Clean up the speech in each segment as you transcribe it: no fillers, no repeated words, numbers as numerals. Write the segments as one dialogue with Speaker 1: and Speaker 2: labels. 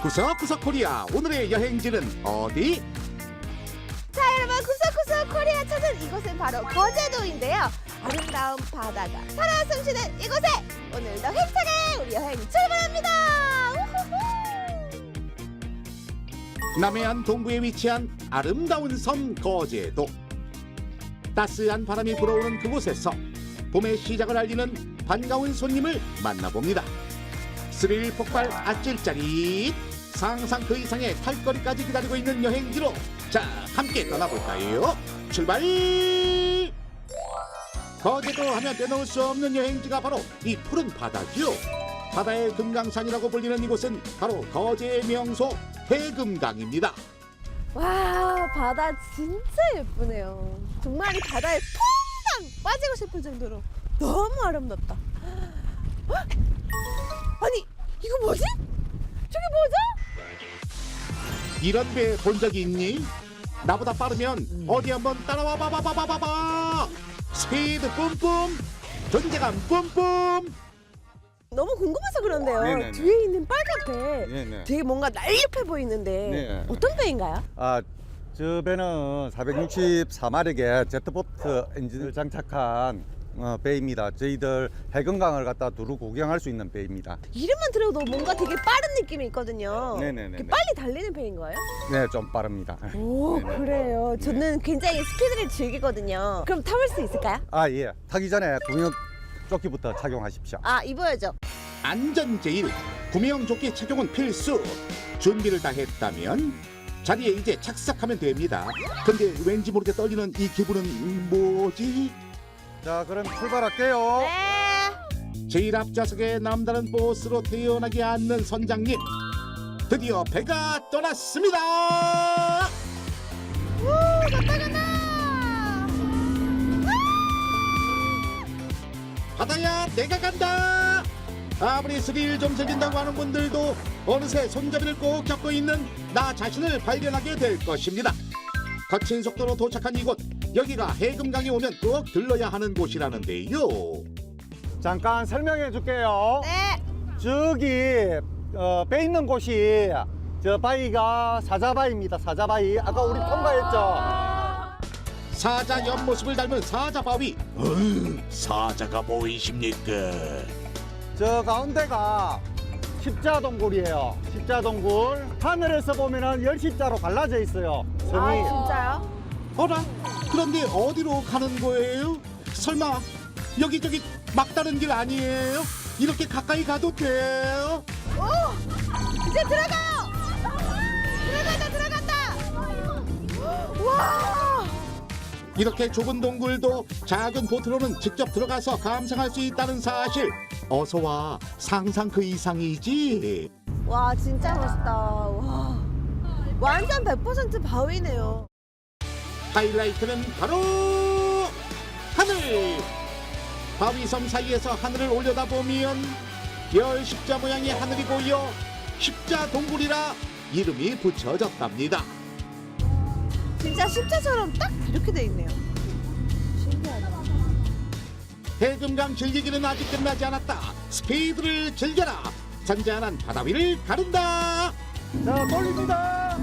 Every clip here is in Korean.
Speaker 1: 구석구석 코리아 오늘의 여행지는 어디?
Speaker 2: 자 여러분, 구석구석 코리아 찾은 이곳은 바로 거제도인데요. 아름다운 바다가 살아 숨쉬는 이곳에 오늘도 힘차게 우리 여행 출발합니다. 우후후.
Speaker 1: 남해안 동부에 위치한 아름다운 섬 거제도. 따스한 바람이 불어오는 그곳에서 봄의 시작을 알리는 반가운 손님을 만나봅니다. 스릴 폭발 아찔 짜릿, 상상 그 이상의 탈거리까지 기다리고 있는 여행지로 자 함께 떠나볼까요? 출발! 거제도 하면 빼놓을 수 없는 여행지가 바로 이 푸른 바다죠. 바다의 금강산이라고 불리는 이곳은 바로 거제의 명소 해금강입니다.
Speaker 2: 와, 바다 진짜 예쁘네요. 정말 이 바다에 퐁당 빠지고 싶을 정도로 너무 아름답다. 헉! 아니, 이거 뭐지? 저게 뭐죠?
Speaker 1: 이런 배 본 적이 있니? 나보다 빠르면 어디 한번 따라와 봐봐봐봐봐봐. 스피드 뿜뿜, 존재감 뿜뿜.
Speaker 2: 너무 궁금해서 그런데요.
Speaker 3: 네네네.
Speaker 2: 뒤에 있는 빨간 배
Speaker 3: 네네.
Speaker 2: 되게 뭔가 날렵해 보이는데
Speaker 3: 네.
Speaker 2: 어떤 배인가요?
Speaker 3: 저 배는 464마력의 제트보트 엔진을 장착한 배입니다. 저희들 해금강을 갖다 두루 구경할 수 있는 배입니다.
Speaker 2: 이름만 들어도 뭔가 되게 빠른 느낌이 있거든요.
Speaker 3: 네네네네.
Speaker 2: 이렇게 빨리 달리는 배인 거예요?
Speaker 3: 네, 좀 빠릅니다.
Speaker 2: 오,
Speaker 3: 네네.
Speaker 2: 그래요. 저는 굉장히 스피드를 즐기거든요. 그럼 타볼 수 있을까요?
Speaker 3: 예. 타기 전에 구명 조끼부터 착용하십시오.
Speaker 2: 입어야죠.
Speaker 1: 안전 제일, 구명조끼 착용은 필수. 준비를 다 했다면 자리에 이제 착석하면 됩니다. 근데 왠지 모르게 떨리는 이 기분은 뭐지?
Speaker 3: 자, 그럼 출발할게요.
Speaker 2: 네.
Speaker 1: 제일 앞좌석에 남다른 보스로 태어나게 앉는 선장님. 드디어 배가 떠났습니다.
Speaker 2: 오, 갔다 간다.
Speaker 1: 바다야 내가 간다. 아무리 스릴 좀 즐긴다고 하는 분들도 어느새 손잡이를 꼭 잡고 있는 나 자신을 발견하게 될 것입니다. 거친 속도로 도착한 이곳, 여기가 해금강에 오면 꼭 들러야 하는 곳이라는데요.
Speaker 3: 잠깐 설명해 줄게요.
Speaker 2: 네.
Speaker 3: 저기 배 있는 곳이 저 바위가 사자바위입니다. 사자바위. 아까 우리 통과했죠?
Speaker 1: 사자 옆모습을 닮은 사자바위. 사자가 보이십니까?
Speaker 3: 저 가운데가 십자동굴이에요. 십자동굴. 하늘에서 보면은 열십자로 갈라져 있어요. 섬이.
Speaker 2: 진짜요?
Speaker 1: 어라? 그런데 어디로 가는 거예요? 설마 여기저기 막다른 길 아니에요? 이렇게 가까이 가도 돼요?
Speaker 2: 오, 이제 들어가요. 들어간다. 와.
Speaker 1: 이렇게 좁은 동굴도 작은 보트로는 직접 들어가서 감상할 수 있다는 사실. 어서와, 상상 그 이상이지.
Speaker 2: 와, 진짜 멋있다. 와. 완전 100% 바위네요.
Speaker 1: 하이라이트는 바로 하늘. 바위섬 사이에서 하늘을 올려다보면 별 십자 모양의 하늘이 보여 십자 동굴이라 이름이 붙여졌답니다.
Speaker 2: 진짜 십자처럼 딱 이렇게 돼 있네요. 신기하다.
Speaker 1: 해금강 즐기기는 아직 끝나지 않았다. 스피드를 즐겨라. 잔잔한 바다 위를 가른다.
Speaker 3: 자, 돌립니다.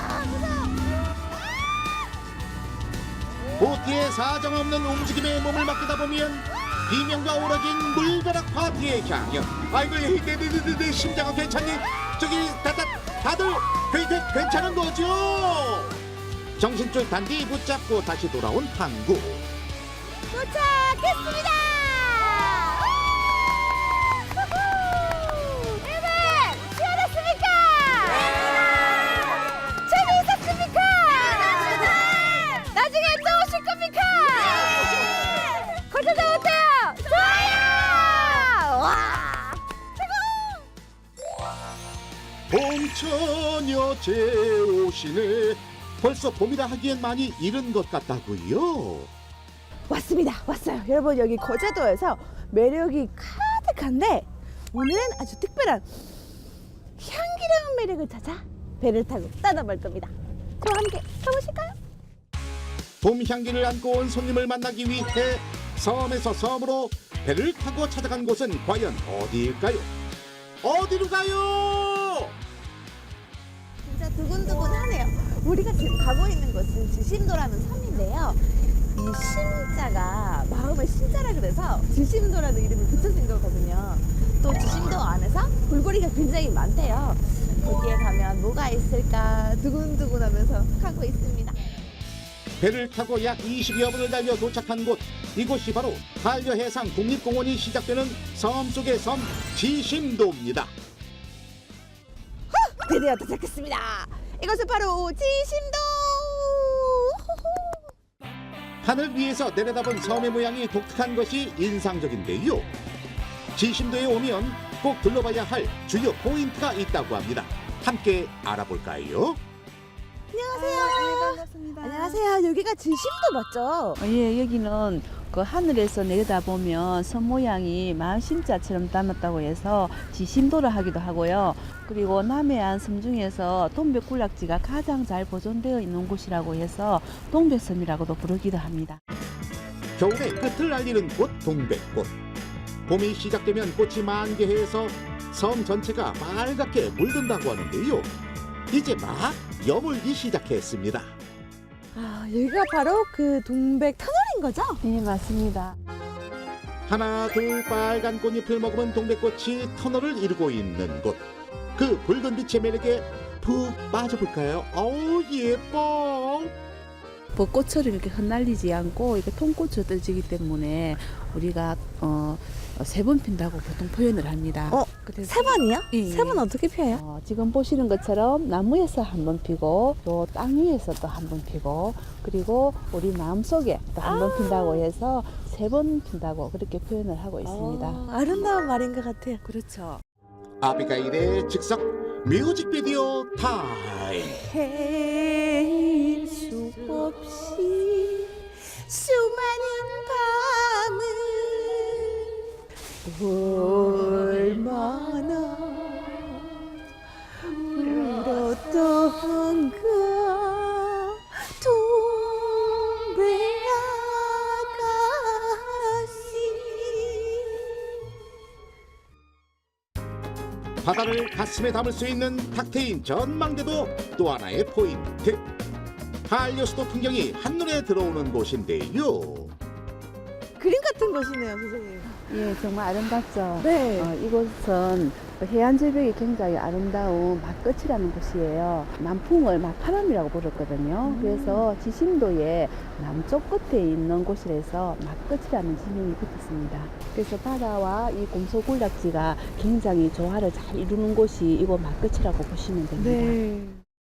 Speaker 1: 보트의 사정없는 움직임에 몸을 맡기다 보면 비명과 오러진 물벼락 파티의 향연. 아이고 내 심장은 괜찮니? 저기 다들 괜찮은 거죠? 정신줄 단디 붙잡고 다시 돌아온 항구.
Speaker 2: 도착했습니다. 여러분, 시원했습니까? 재미있었습니까? 나중에 또 오실 겁니까? 거제도 어때요? 좋아요. 와,
Speaker 1: 봄처녀 제오시네. 벌써 봄이라 하기엔 많이 이른 것 같다고요.
Speaker 2: 왔어요. 여러분, 여기 거제도에서 매력이 가득한데 오늘은 아주 특별한 향기로운 매력을 찾아 배를 타고 떠나볼 겁니다. 저와 함께 가보실까요?
Speaker 1: 봄 향기를 안고 온 손님을 만나기 위해 섬에서 섬으로 배를 타고 찾아간 곳은 과연 어디일까요? 어디로 가요?
Speaker 2: 저희가 지금 가고 있는 곳은 지심도라는 섬인데요. 이 심자가 마음의 심자라 그래서 지심도라는 이름을 붙여진 거거든요. 또 지심도 안에서 볼거리가 굉장히 많대요. 거기에 가면 뭐가 있을까 두근두근하면서 가고 있습니다.
Speaker 1: 배를 타고 약 20여 분을 달려 도착한 곳, 이곳이 바로 한려해상 국립공원이 시작되는 섬 속의 섬 지심도입니다.
Speaker 2: 드디어 도착했습니다. 이것은 바로 지심도.
Speaker 1: 하늘 위에서 내려다본 섬의 모양이 독특한 것이 인상적인데요. 지심도에 오면 꼭 둘러봐야 할 주요 포인트가 있다고 합니다. 함께 알아볼까요?
Speaker 2: 안녕하세요.
Speaker 4: 반갑습니다.
Speaker 2: 안녕하세요. 여기가 지심도 맞죠?
Speaker 4: 예, 여기는 그 하늘에서 내려다보면 섬 모양이 마을 심자처럼 닮았다고 해서 지심도를 하기도 하고요. 그리고 남해안 섬 중에서 동백군락지가 가장 잘 보존되어 있는 곳이라고 해서 동백섬이라고도 부르기도 합니다.
Speaker 1: 겨울의 끝을 알리는 곳 동백꽃. 봄이 시작되면 꽃이 만개해서 섬 전체가 빨갛게 물든다고 하는데요. 이제 막 여물기 시작했습니다.
Speaker 2: 아, 여기가 바로 그 동백 터널인 거죠?
Speaker 4: 네, 맞습니다.
Speaker 1: 하나 둘 빨간 꽃잎을 머금은 동백꽃이 터널을 이루고 있는 곳. 그 붉은 빛의 매력에 푹 빠져볼까요? 어우 예뻐.
Speaker 4: 벚꽃처럼 이렇게 흩날리지 않고 이렇게 통꽃으로 떠지기 때문에 우리가 세 번 핀다고 보통 표현을 합니다. 그래서
Speaker 2: 세 번이요?
Speaker 4: 예.
Speaker 2: 세 번 어떻게 피어요?
Speaker 4: 지금 보시는 것처럼 나무에서 한 번 피고 또 땅 위에서 또 한 번 피고 그리고 우리 마음속에 또 한 번 핀다고 해서 세 번 핀다고 그렇게 표현을 하고 있습니다.
Speaker 2: 아름다운 말인 것 같아요.
Speaker 4: 그렇죠.
Speaker 1: 아비가일의 즉석 뮤직비디오 타임.
Speaker 2: 헤일 수 없이 수많은 밤을 얼마나 울었던가 동백 아가씨.
Speaker 1: 바다를 가슴에 담을 수 있는 탁 트인 전망대도 또 하나의 포인트. 한려수도 풍경이 한눈에 들어오는 곳인데요.
Speaker 2: 그림 같은 곳이네요, 선생님.
Speaker 4: 예, 정말 아름답죠.
Speaker 2: 네.
Speaker 4: 이곳은 해안 절벽이 굉장히 아름다운 막끝이라는 곳이에요. 남풍을 막파람이라고 부르거든요. 그래서 지심도의 남쪽 끝에 있는 곳이라서 막끝이라는 지명이 붙었습니다. 그래서 바다와 이 곰소군락지가 굉장히 조화를 잘 이루는 곳이 이곳 막끝이라고 보시면 됩니다.
Speaker 2: 네.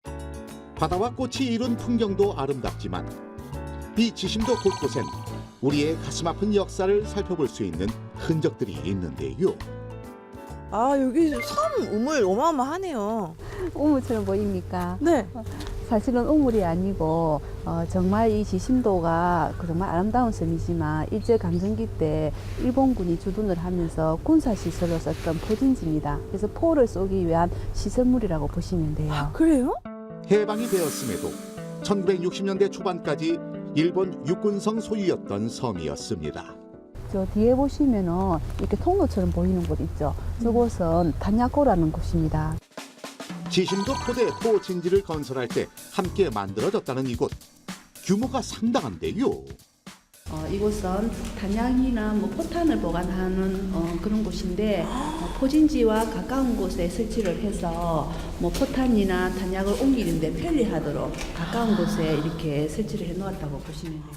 Speaker 1: 바다와 꽃이 이룬 풍경도 아름답지만 이 지심도 곳곳엔 우리의 가슴 아픈 역사를 살펴볼 수 있는 흔적들이 있는데요.
Speaker 2: 아, 여기 섬 우물 어마어마하네요.
Speaker 4: 우물처럼 보입니까?
Speaker 2: 네.
Speaker 4: 사실은 우물이 아니고 정말 이 지심도가 정말 아름다운 섬이지만 일제강점기 때 일본군이 주둔을 하면서 군사시설로 썼던 포진지입니다. 그래서 포를 쏘기 위한 시설물이라고 보시면 돼요.
Speaker 2: 그래요?
Speaker 1: 해방이 되었음에도 1960년대 초반까지 일본 육군성 소유였던 섬이었습니다.
Speaker 4: 저 뒤에 보시면은 이렇게 통로처럼 보이는 곳 있죠. 저곳은 단야코라는 곳입니다.
Speaker 1: 지심도 포대 포진지를 건설할 때 함께 만들어졌다는 이곳. 규모가 상당한데요.
Speaker 4: 이곳은 단양이나 포탄을 보관하는 그런 곳인데 포진지와 가까운 곳에 설치를 해서 포탄이나 단약을 옮기는데 편리하도록 가까운 곳에 이렇게 설치를 해놓았다고 보시면 됩니다.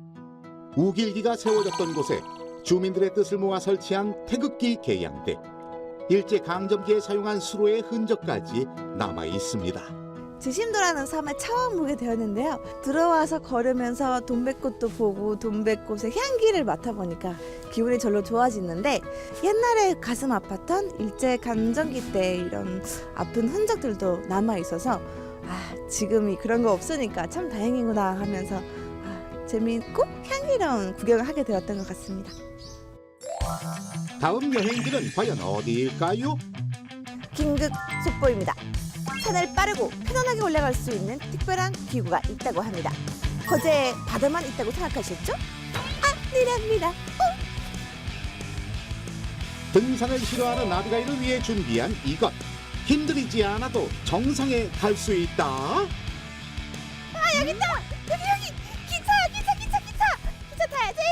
Speaker 1: 우길기가 세워졌던 곳에 주민들의 뜻을 모아 설치한 태극기 개양대. 일제강점기에 사용한 수로의 흔적까지 남아 있습니다.
Speaker 2: 지심도라는 섬에 처음 오게 되었는데요. 들어와서 걸으면서 동백꽃도 보고 동백꽃의 향기를 맡아보니까 기분이 절로 좋아지는데 옛날에 가슴 아팠던 일제강점기 때 이런 아픈 흔적들도 남아있어서 지금이 그런 거 없으니까 참 다행이구나 하면서 재미있고 향기로운 구경을 하게 되었던 것 같습니다.
Speaker 1: 다음 여행지는 과연 어디일까요?
Speaker 2: 긴급 속보입니다. 산을 빠르고 편안하게 올라갈 수 있는 특별한 기구가 있다고 합니다. 거제에 바다만 있다고 생각하셨죠? 아니랍니다.
Speaker 1: 등산을 싫어하는 아비가일을 위해 준비한 이것. 힘들이지 않아도 정상에 갈 수 있다.
Speaker 2: 여기 있다. 여기 기차 타야지.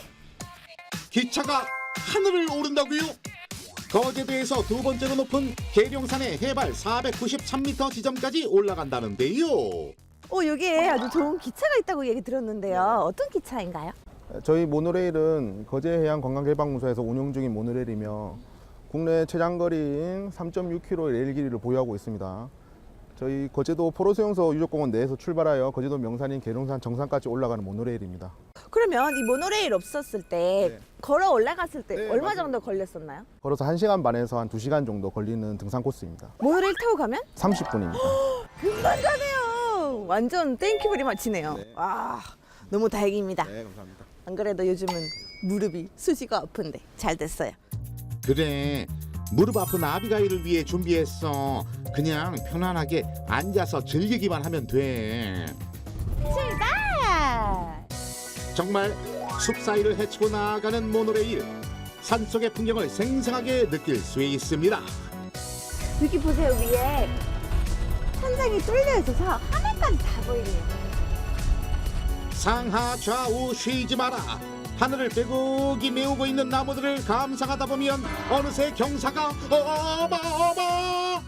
Speaker 1: 기차가 하늘을 오른다고요? 거제도에서 두 번째로 높은 계룡산의 해발 493m 지점까지 올라간다는데요.
Speaker 2: 여기에 아주 좋은 기차가 있다고 얘기 들었는데요. 어떤 기차인가요?
Speaker 5: 저희 모노레일은 거제해양관광개발공사에서 운영 중인 모노레일이며 국내 최장거리인 3.6km 레일 길이를 보유하고 있습니다. 저희 거제도 포로수용소 유적공원 내에서 출발하여 거제도 명산인 계룡산 정상까지 올라가는 모노레일입니다.
Speaker 2: 그러면 이 모노레일 없었을 때
Speaker 5: 네.
Speaker 2: 걸어 올라갔을 때
Speaker 5: 네,
Speaker 2: 얼마
Speaker 5: 맞아요.
Speaker 2: 정도 걸렸었나요?
Speaker 5: 걸어서 1시간 반에서 한 2시간 정도 걸리는 등산 코스입니다.
Speaker 2: 모노레일 타고 가면
Speaker 5: 30분입니다.
Speaker 2: 금방 가네요. 완전 땡큐브리 마치네요.
Speaker 5: 네.
Speaker 2: 와, 너무 다행입니다.
Speaker 5: 네, 감사합니다.
Speaker 2: 안 그래도 요즘은 무릎이 수시가 아픈데 잘 됐어요.
Speaker 1: 그래, 무릎 아픈 아비가일을 위해 준비했어. 그냥 편안하게 앉아서 즐기기만 하면 돼.
Speaker 2: 출발!
Speaker 1: 정말 숲 사이를 헤치고 나아가는 모노레일. 산속의 풍경을 생생하게 느낄 수 있습니다.
Speaker 2: 여기 보세요, 위에 천장이 뚫려 있어서 하늘까지 다 보이네요.
Speaker 1: 상하 좌우 쉬지 마라. 하늘을 빼곡히 메우고 있는 나무들을 감상하다 보면 어느새 경사가 어마어마.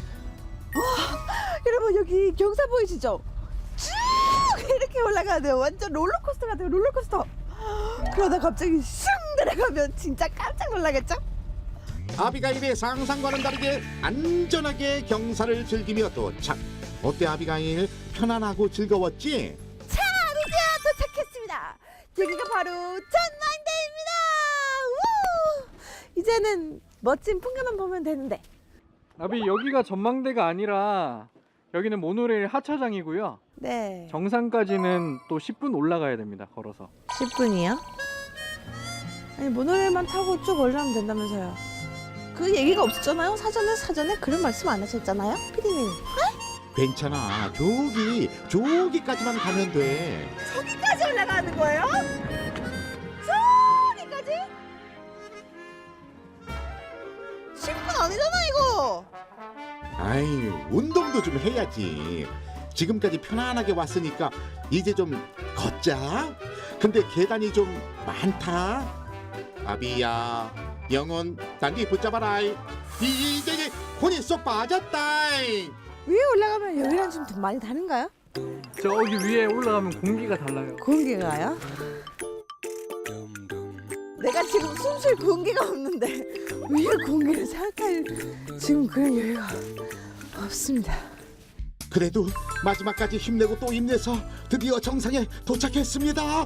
Speaker 2: 여러분 여기 경사 보이시죠? 쭉 이렇게 올라가네요. 완전 롤러코스터 같아요. 롤러코스터. 그러다 갑자기 슝 내려가면 진짜 깜짝 놀라겠죠?
Speaker 1: 아비가일의 상상과는 다르게 안전하게 경사를 즐기며 도착. 어때 아비가일? 편안하고 즐거웠지?
Speaker 2: 자, 드디어 도착했습니다. 여기가 바로 전망대입니다. 우! 이제는 멋진 풍경만 보면 되는데.
Speaker 6: 나비 여기가 전망대가 아니라 여기는 모노레일 하차장이고요.
Speaker 2: 네.
Speaker 6: 정상까지는 또 10분 올라가야 됩니다. 걸어서.
Speaker 2: 10분이요? 아니 모노레일만 타고 쭉 올라가면 된다면서요. 그 얘기가 없었잖아요. 사전에 그런 말씀 안 하셨잖아요, 피디님.
Speaker 1: 괜찮아. 저기까지만 가면 돼.
Speaker 2: 저기까지 올라가는 거예요? 저기까지? 10분 아니잖아 이거.
Speaker 1: 아이, 운동도 좀 해야지. 지금까지 편안하게 왔으니까 이제 좀 걷자. 근데 계단이 좀 많다. 아비야, 영혼 단디 붙잡아라. 이제 혼이 쏙 빠졌다.
Speaker 2: 위에 올라가면 여기랑 좀 더 많이 다른가요?
Speaker 6: 저기 위에 올라가면 공기가 달라요.
Speaker 2: 공기가요? 내가 지금 숨쉴 공기가 없는데 위에 공기를 생각할 지금 그런 여유가 없습니다.
Speaker 1: 그래도 마지막까지 힘내고 또 힘내서 드디어 정상에 도착했습니다.
Speaker 2: 다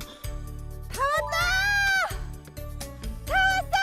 Speaker 2: 왔다!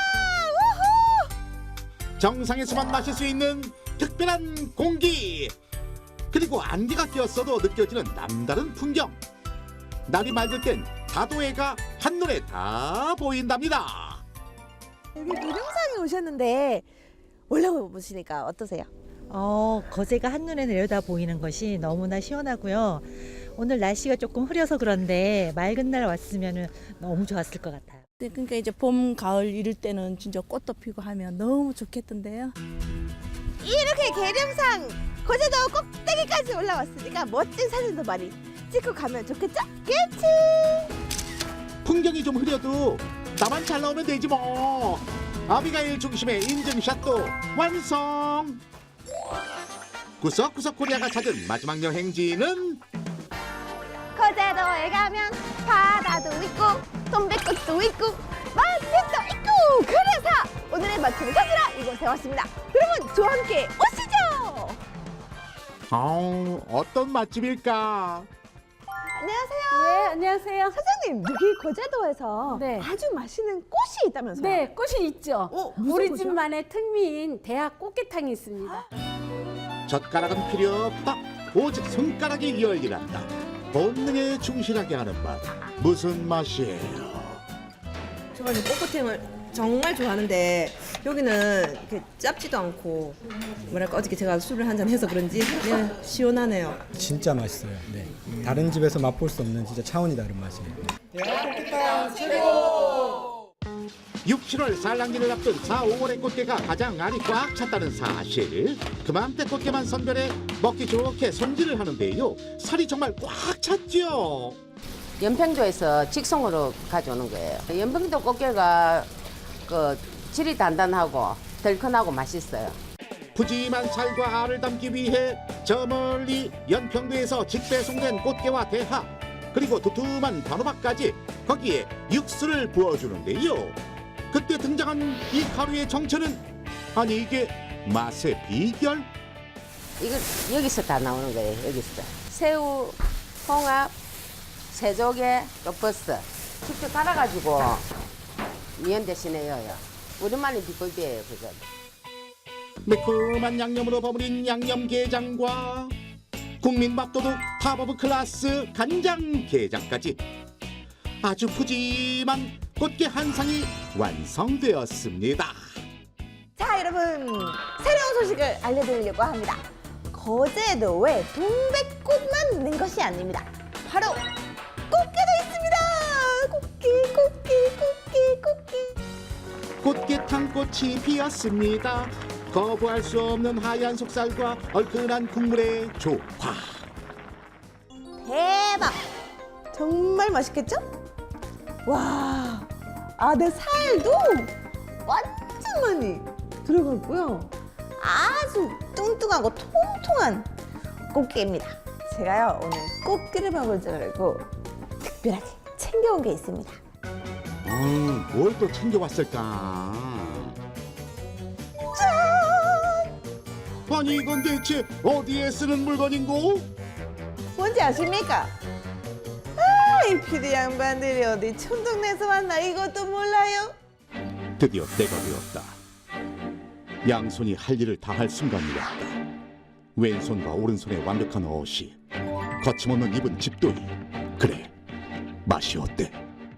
Speaker 2: 우후!
Speaker 1: 정상에서만 마실 수 있는 특별한 공기. 그리고 안개가 꼈어도 느껴지는 남다른 풍경. 날이 맑을 땐 다도해가 한눈에 다 보인답니다.
Speaker 2: 여기 미룡산에 오셨는데 올라가 보시니까 어떠세요?
Speaker 7: 거제가 한눈에 내려다 보이는 것이 너무나 시원하고요. 오늘 날씨가 조금 흐려서 그런데 맑은 날 왔으면 너무 좋았을 것 같아요.
Speaker 8: 네, 그러니까 이제 봄, 가을 이럴 때는 진짜 꽃도 피고 하면 너무 좋겠던데요.
Speaker 2: 이렇게 계룡산 거제도 꼭대기까지 올라왔으니까 멋진 사진도 많이 찍고 가면 좋겠죠? 그치?
Speaker 1: 풍경이 좀 흐려도 나만 잘 나오면 되지 뭐. 아비가일 중심의 인증샷도 완성. 구석구석 코리아가 찾은 마지막 여행지는
Speaker 2: 거제도에 가면 바다도 있고 돈백꽃도 있고 맛집도 있고 그래서 오늘의 맛집을 찾으러 이곳에 왔습니다. 여러분 저와 함께 오시죠.
Speaker 1: 어떤 맛집일까?
Speaker 2: 안녕하세요.
Speaker 8: 네, 안녕하세요.
Speaker 2: 사장님 여기 거제도에서
Speaker 8: 네.
Speaker 2: 아주 맛있는 꽃이 있다면서요?
Speaker 8: 네, 꽃이 있죠.
Speaker 2: 무슨
Speaker 8: 우리
Speaker 2: 꽃이요?
Speaker 8: 집만의 특미인 대학 꽃게탕이 있습니다.
Speaker 1: 젓가락은 필요 없다. 오직 손가락이 열일한다. 본능에 충실하게 하는 맛. 무슨 맛이에요?
Speaker 9: 저는 꽃꽃탕을 정말 좋아하는데 여기는 이렇게 짭지도 않고 뭐랄까 어저께 제가 술을 한잔 해서 그런지 그냥 시원하네요.
Speaker 10: 진짜 맛있어요. 네. 다른 집에서 맛볼 수 없는 진짜 차원이 다른 맛이에요.
Speaker 1: 6, 7월 산란기를 앞둔 4, 5월의 꽃게가 가장 알이 꽉 찼다는 사실. 그맘때 꽃게만 선별해 먹기 좋게 손질을 하는데요. 살이 정말 꽉 찼죠.
Speaker 11: 연평도에서 직송으로 가져오는 거예요. 연평도 꽃게가 그 질이 단단하고 덜큰하고 맛있어요.
Speaker 1: 푸짐한 살과 알을 담기 위해 저 멀리 연평도에서 직배송된 꽃게와 대하, 그리고 두툼한 단호박까지 거기에 육수를 부어주는데요. 그때 등장한 이 가루의 정체는, 아니 이게 맛의 비결?
Speaker 11: 이거 여기서 다 나오는 거예요. 여기서 새우, 홍합, 새조개, 또 버섯 직접 갈아가지고 미연 대신에 넣어요. 우리만의 비법이에요, 그건.
Speaker 1: 매콤한 양념으로 버무린 양념게장과 국민밥도둑 탑오브 클래스 간장게장까지 아주 푸짐한 꽃게 한 상이 완성되었습니다.
Speaker 2: 자, 여러분, 새로운 소식을 알려드리려고 합니다. 거제도에 동백꽃만 있는 것이 아닙니다. 바로 꽃게도 있습니다. 꽃게.
Speaker 1: 꽃게탕 꽃이 피었습니다. 거부할 수 없는 하얀 속살과 얼큰한 국물의 조화.
Speaker 2: 대박! 정말 맛있겠죠? 와, 안에 살도 완전 많이 들어갔고요. 아주 뚱뚱하고 통통한 꽃게입니다. 제가요, 오늘 꽃게를 먹을 줄 알고 특별하게 챙겨온 게 있습니다.
Speaker 1: 뭘 또 챙겨왔을까? 아니 이건 대체 어디에 쓰는 물건인고?
Speaker 2: 뭔지 아십니까? 아, 이 피디 양반들이 어디 촌동네에서 왔나 이것도 몰라요?
Speaker 1: 드디어 때가 되었다. 양손이 할 일을 다 할 순간이었다. 왼손과 오른손의 완벽한 어시, 거침없는 입은 집돌이. 그래, 맛이 어때?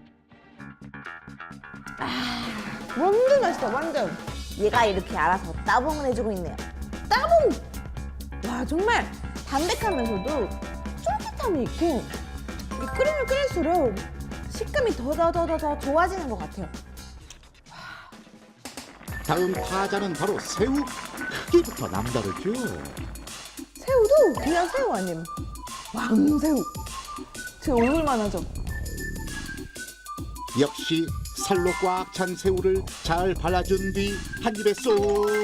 Speaker 2: 완전 맛있다, 완전. 얘가 이렇게 알아서 따봉을 해주고 있네요. 따봉! 와, 정말 담백하면서도 쫄깃함이 있고, 이 끓이면 끓일수록 식감이 더 좋아지는 것 같아요.
Speaker 1: 다음 타자는 바로 새우. 크기부터 남다르죠.
Speaker 2: 새우도 그냥 새우 아님, 왕새우. 제 얼굴만 하죠.
Speaker 1: 역시 살로 꽉 찬 새우를 잘 발라준 뒤 한 입에 쏙.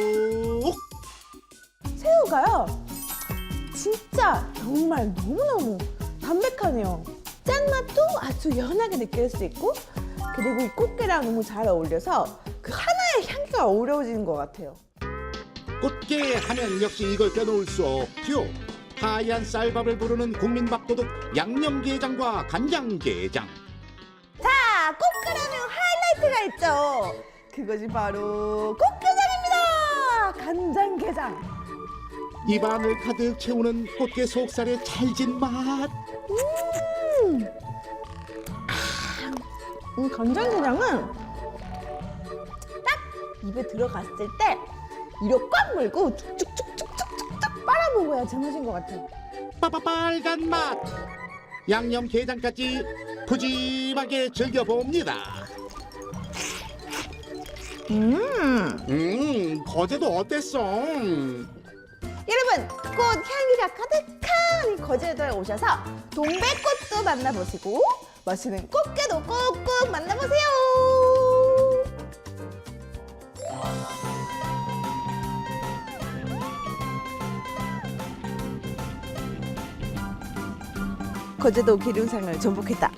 Speaker 2: 새우가요, 진짜 정말 너무너무 담백하네요. 짠맛도 아주 연하게 느낄 수 있고, 그리고 이 꽃게랑 너무 잘 어울려서 그 하나의 향기가 어우러지는 것 같아요.
Speaker 1: 꽃게 하면 역시 이걸 빼놓을 수 없죠. 하얀 쌀밥을 부르는 국민밥도둑 양념게장과 간장게장.
Speaker 2: 자, 꽃게라면 하이라이트가 있죠. 그것이 바로 꽃게장입니다. 간장게장.
Speaker 1: 입안을 가득 채우는 꽃게 속살의 찰진 맛.
Speaker 2: 간장게장은 딱 입에 들어갔을 때 이로 꽉 물고 쭉쭉쭉쭉쭉쭉 빨아먹어야 제맛인 것 같아요.
Speaker 1: 빨간 맛. 양념게장까지 푸짐하게 즐겨봅니다. 거제도 어땠어?
Speaker 2: 여러분, 꽃 향기가 가득한 이 거제도에 오셔서 동백꽃도 만나보시고 맛있는 꽃게도 꼭꼭 만나보세요. 거제도 기름상을 정복했다.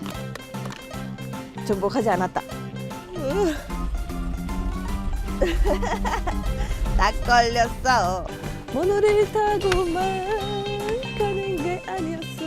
Speaker 2: 정복하지 않았다. 딱 걸렸어. 모노레일 타고만 가는 게 아니었어.